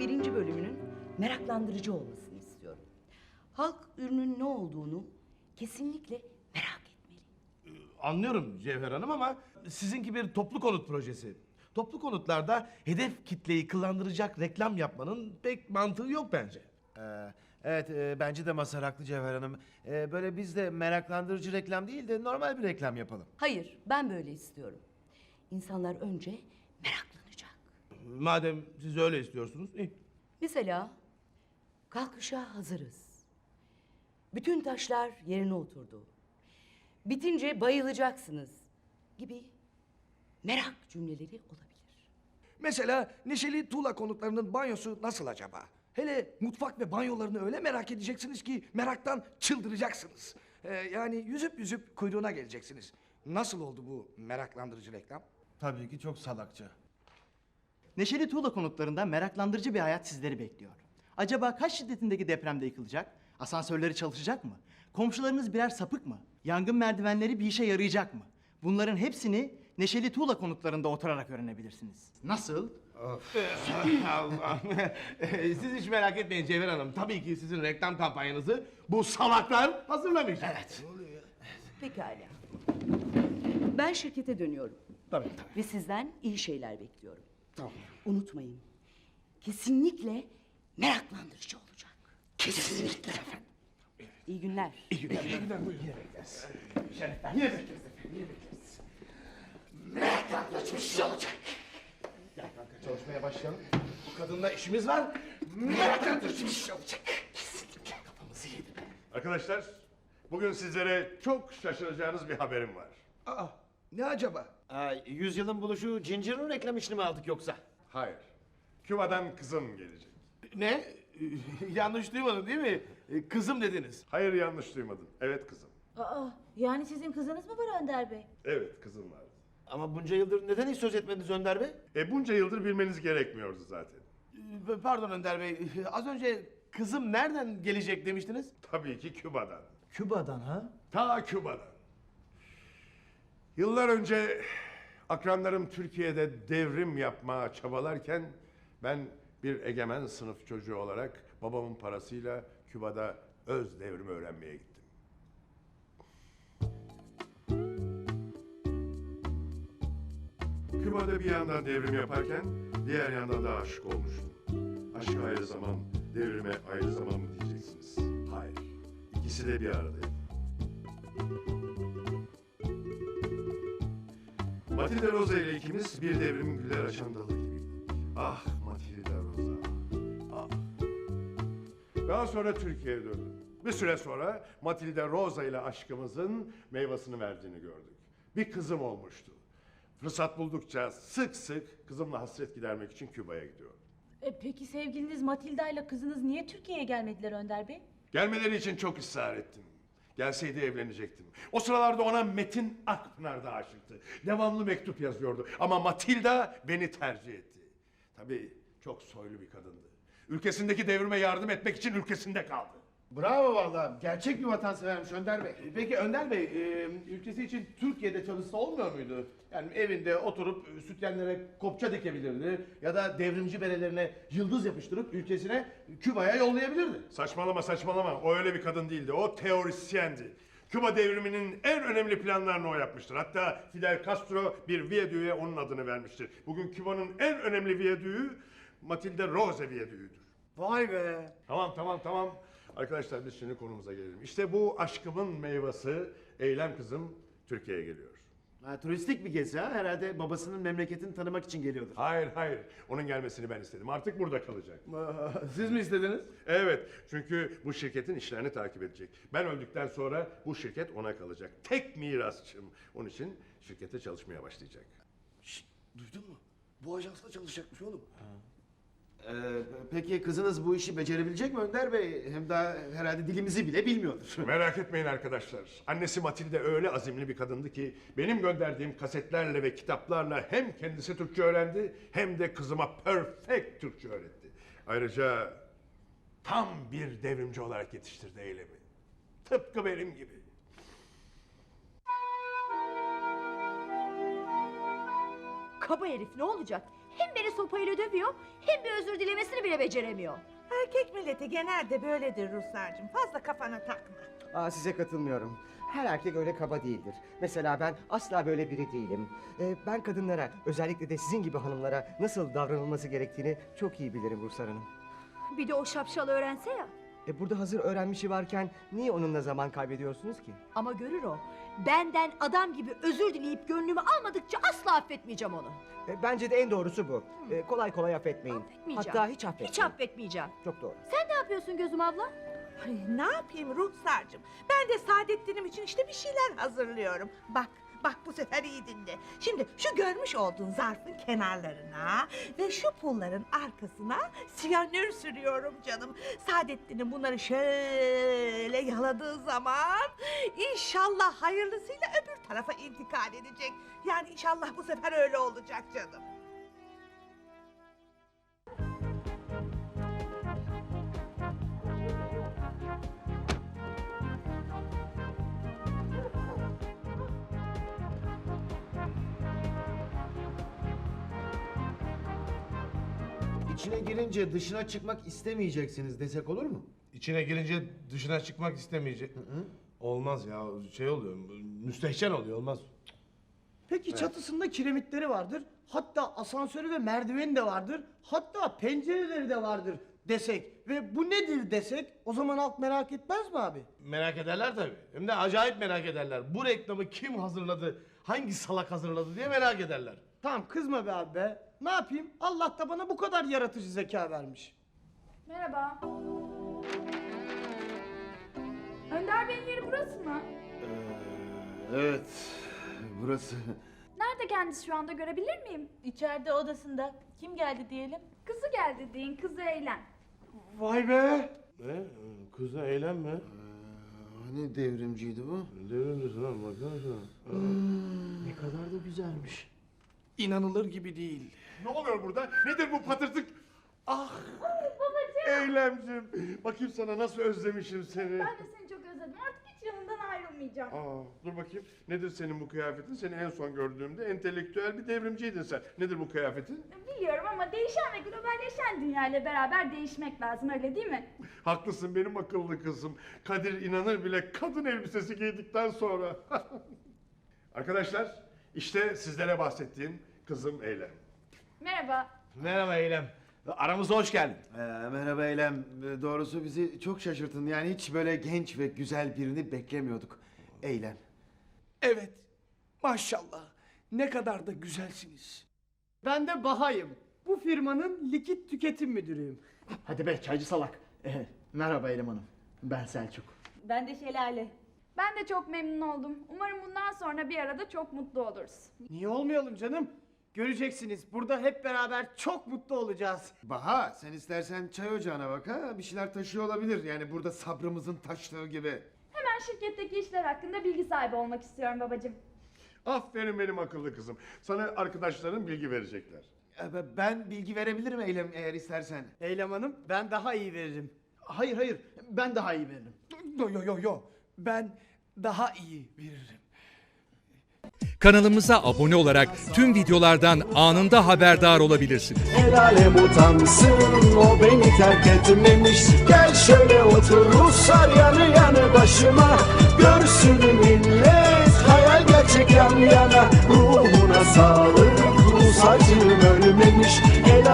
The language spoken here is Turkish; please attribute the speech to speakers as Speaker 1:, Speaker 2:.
Speaker 1: birinci bölümünün meraklandırıcı olmasını istiyorum. Halk ürünün ne olduğunu kesinlikle merak etmeli.
Speaker 2: Anlıyorum Cevher Hanım ama sizinki bir toplu konut projesi. Toplu konutlarda hedef kitleyi kıllandıracak reklam yapmanın pek mantığı yok bence.
Speaker 3: Evet, bence de Mazhar haklı Cevher Hanım. Böyle biz de meraklandırıcı reklam değil de normal bir reklam yapalım.
Speaker 1: Hayır, ben böyle istiyorum. İnsanlar önce meraklanacak.
Speaker 2: Madem siz öyle istiyorsunuz, iyi.
Speaker 1: Mesela kalkışa hazırız. Bütün taşlar yerine oturdu. Bitince bayılacaksınız gibi merak cümleleri olabilir.
Speaker 4: Mesela Neşeli Tuğla konutlarının banyosu nasıl acaba? Hele mutfak ve banyolarını öyle merak edeceksiniz ki meraktan çıldıracaksınız. Yani yüzüp yüzüp kuyruğuna geleceksiniz. Nasıl oldu bu meraklandırıcı reklam?
Speaker 3: Tabii ki çok salakça.
Speaker 5: Neşeli Tuğla konutlarında meraklandırıcı bir hayat sizleri bekliyor. Acaba kaç şiddetindeki depremde yıkılacak? Asansörleri çalışacak mı? Komşularınız birer sapık mı? Yangın merdivenleri bir işe yarayacak mı? Bunların hepsini Neşeli Tuğla konutlarında oturarak öğrenebilirsiniz. Nasıl?
Speaker 2: Allah. Siz hiç merak etmeyin Cevher Hanım. Tabii ki sizin reklam kampanyanızı bu salaklar hazırlamış. Evet.
Speaker 1: Pekala. Ben şirkete dönüyorum.
Speaker 2: Tabii.
Speaker 1: Ve sizden iyi şeyler bekliyorum. Tamam. Unutmayın. Kesinlikle meraklandırıcı olacak. Kesinlikle efendim. İyi günler.
Speaker 2: İyi günler. İyi günler. Buyurun. Yine bekleriz. Şerefler. Yine bekleriz efendim. Yine bekleriz. Meraklandırıcı olacak. Gel kanka çalışmaya başlayalım. Bu kadınla işimiz var. Meraklandırıcı olacak. Kesinlikle kafamızı yedi.
Speaker 6: Arkadaşlar, bugün sizlere çok şaşıracağınız bir haberim var.
Speaker 4: Aa, ne acaba?
Speaker 3: Yüzyılın buluşu Ginger reklam işini mi aldık yoksa?
Speaker 6: Hayır, Küba'dan kızım gelecek.
Speaker 2: Ne? Yanlış duymadın değil mi? Kızım dediniz.
Speaker 6: Hayır, yanlış duymadın. Evet kızım.
Speaker 7: Aa, yani sizin kızınız mı var Önder Bey?
Speaker 6: Evet kızım var.
Speaker 3: Ama bunca yıldır neden hiç söz etmediniz Önder Bey?
Speaker 6: Bunca yıldır bilmeniz gerekmiyordu zaten.
Speaker 2: Pardon Önder Bey. Az önce kızım nereden gelecek demiştiniz?
Speaker 6: Tabii ki Küba'dan.
Speaker 3: Küba'dan ha?
Speaker 6: Ta Küba'dan. Yıllar önce akranlarım Türkiye'de devrim yapmaya çabalarken ben bir egemen sınıf çocuğu olarak babamın parasıyla Küba'da öz devrimi öğrenmeye gittim. Küba'da bir yandan devrim yaparken diğer yandan da aşık olmuştum. Aşk ayrı zaman, devrime ayrı zaman mı diyeceksiniz? Hayır. İkisi de bir aradaydı. Matilda Rosa ile ikimiz bir devrimin güller açan dalı gibiydik. Ah Matilda Rosa. Ah. Daha sonra Türkiye'ye döndüm. Bir süre sonra Matilda Rosa ile aşkımızın meyvasını verdiğini gördük. Bir kızım olmuştu. Fırsat buldukça sık sık kızımla hasret gidermek için Küba'ya gidiyorum.
Speaker 7: Peki sevgiliniz Matilda ile kızınız niye Türkiye'ye gelmediler Önder Bey?
Speaker 6: Gelmeleri için çok ısrar ettim. Gelseydi evlenecektim. O sıralarda ona Metin Akpınar da aşıktı. Devamlı mektup yazıyordu. Ama Matilda beni tercih etti. Tabii çok soylu bir kadındı. Ülkesindeki devrime yardım etmek için ülkesinde kaldı.
Speaker 3: Bravo vallahi. Gerçek bir vatansevermiş Önder Bey.
Speaker 2: Peki Önder Bey, ülkesi için Türkiye'de çalışsa olmuyor muydu? Yani evinde oturup sütyenlere kopça dikebilirdi ya da devrimci berelerine yıldız yapıştırıp ülkesine Küba'ya yollayabilirdi.
Speaker 6: Saçmalama saçmalama. O öyle bir kadın değildi. O teorisyendi. Küba devriminin en önemli planlarını o yapmıştır. Hatta Fidel Castro bir viyadüğe onun adını vermiştir. Bugün Küba'nın en önemli viyadüğü Matilda Rosa viyadüğüdür.
Speaker 3: Vay be.
Speaker 6: Tamam. Arkadaşlar biz şimdi konumuza gelelim. İşte bu aşkımın meyvesi Eylem kızım Türkiye'ye geliyor.
Speaker 3: Turistik bir gezi ha. Herhalde babasının memleketini tanımak için geliyordur.
Speaker 6: Hayır. Onun gelmesini ben istedim. Artık burada kalacak.
Speaker 2: Siz mi istediniz?
Speaker 6: Evet. Çünkü bu şirketin işlerini takip edecek. Ben öldükten sonra bu şirket ona kalacak. Tek mirasçım. Onun için şirkette çalışmaya başlayacak.
Speaker 4: Duydun mu? Bu ajansla çalışacakmış oğlum.
Speaker 3: Peki kızınız bu işi becerebilecek mi Önder Bey? Hem daha herhalde dilimizi bile bilmiyordur.
Speaker 6: Merak etmeyin arkadaşlar. Annesi Matilde öyle azimli bir kadındı ki benim gönderdiğim kasetlerle ve kitaplarla hem kendisi Türkçe öğrendi hem de kızıma perfect Türkçe öğretti. Ayrıca tam bir devrimci olarak yetiştirdi Eylem'i. Tıpkı benim gibi.
Speaker 8: Kaba herif ne olacak? Hem beni sopayla dövüyor hem bir özür dilemesini bile beceremiyor.
Speaker 9: Erkek milleti genelde böyledir Ruslarcığım. Fazla kafana takma.
Speaker 10: Size katılmıyorum. Her erkek öyle kaba değildir. Mesela ben asla böyle biri değilim. Ben kadınlara, özellikle de sizin gibi hanımlara nasıl davranılması gerektiğini çok iyi bilirim Ruhsar Hanım.
Speaker 8: Bir de o şapşal öğrense ya.
Speaker 10: Burada hazır öğrenmişi varken niye onunla zaman kaybediyorsunuz ki?
Speaker 8: Ama görür o. Benden adam gibi özür dileyip gönlümü almadıkça asla affetmeyeceğim onu.
Speaker 10: Bence de en doğrusu bu. Kolay kolay affetmeyin.
Speaker 8: Affetmeyeceğim.
Speaker 10: Hatta hiç affetmeyin.
Speaker 8: Hiç affetmeyeceğim.
Speaker 10: Çok doğru.
Speaker 8: Sen ne yapıyorsun Gözüm abla?
Speaker 9: Ay, ne yapayım Ruhsarcığım? Ben de Saadettin'im için işte bir şeyler hazırlıyorum. Bak bu sefer iyi dinle. Şimdi şu görmüş olduğun zarfın kenarlarına ve şu pulların arkasına siyanür sürüyorum canım. Saadettin'in bunları şöyle yaladığı zaman inşallah hayırlısıyla öbür tarafa intikal edecek. Yani inşallah bu sefer öyle olacak canım.
Speaker 3: İçine girince dışına çıkmak istemeyeceksiniz desek olur mu?
Speaker 2: İçine girince dışına çıkmak istemeyecek. Olmaz ya, şey oluyor, müstehcen oluyor, olmaz.
Speaker 5: Peki çatısında kiremitleri vardır. Hatta asansörü ve merdiveni de vardır. Hatta pencereleri de vardır desek ve bu nedir desek o zaman halk merak etmez mi abi?
Speaker 2: Merak ederler tabii. Hem de acayip merak ederler. Bu reklamı kim hazırladı, hangi salak hazırladı diye merak ederler.
Speaker 5: Tamam kızma be abi be. Ne yapayım? Allah da bana bu kadar yaratıcı zeka vermiş.
Speaker 11: Merhaba. Önder Bey'in yeri burası mı?
Speaker 3: Evet, burası.
Speaker 11: Nerede kendisi şu anda görebilir miyim?
Speaker 7: İçeride odasında. Kim geldi diyelim?
Speaker 11: Kızı geldi deyin, kızı eğlen.
Speaker 5: Vay be!
Speaker 2: Ne? Kızla eğlenme.
Speaker 3: Hani devrimciydi bu?
Speaker 2: Devrimlisin lan, baksana şuna.
Speaker 5: Ne kadar da güzelmiş. İnanılır gibi değil.
Speaker 6: Ne oluyor burada? Nedir bu patırtık? Ah! Eylemcim. Bakayım sana nasıl özlemişim seni.
Speaker 11: Ben de seni çok özledim. Artık hiç yanından ayrılmayacağım.
Speaker 6: Dur bakayım. Nedir senin bu kıyafetin? Seni en son gördüğümde entelektüel bir devrimciydin sen. Nedir bu kıyafetin?
Speaker 11: Biliyorum ama değişen ve globalleşen dünyayla beraber değişmek lazım, öyle değil mi?
Speaker 6: Haklısın benim akıllı kızım. Kadir inanır bile kadın elbisesi giydikten sonra. Arkadaşlar, işte sizlere bahsettiğim kızım Eylem.
Speaker 11: Merhaba.
Speaker 2: Merhaba Eylem. Aramıza hoş geldin.
Speaker 3: Merhaba Eylem. Doğrusu bizi çok şaşırttın. Yani hiç böyle genç ve güzel birini beklemiyorduk. Eylem.
Speaker 4: Evet. Maşallah. Ne kadar da güzelsiniz.
Speaker 5: Ben de Bahayım. Bu firmanın likit tüketim müdürüyüm. Hadi be çaycı salak. Merhaba Eylem Hanım. Ben Selçuk.
Speaker 7: Ben de Şelale.
Speaker 11: Ben de çok memnun oldum. Umarım bundan sonra bir arada çok mutlu oluruz.
Speaker 5: Niye olmayalım canım? Göreceksiniz burada hep beraber çok mutlu olacağız.
Speaker 3: Baha, sen istersen çay ocağına bak ha. Bir şeyler taşıyor olabilir. Yani burada sabrımızın taştığı gibi.
Speaker 11: Hemen şirketteki işler hakkında bilgi sahibi olmak istiyorum babacığım.
Speaker 6: Aferin benim akıllı kızım. Sana arkadaşların bilgi verecekler.
Speaker 3: Ben bilgi verebilirim Eylem eğer istersen.
Speaker 5: Eylem Hanım ben daha iyi veririm. Hayır ben daha iyi veririm.
Speaker 4: Yo. Ben daha iyi veririm.
Speaker 12: Kanalımıza abone olarak tüm videolardan anında haberdar olabilirsiniz.
Speaker 13: El alem utansın, o beni terk etmemiş. Gel şöyle otur Ruslar yanı yanı başıma. Görsün millet hayal gerçek yan yana. Ruhuna sağlık, Rus acım ölmemiş.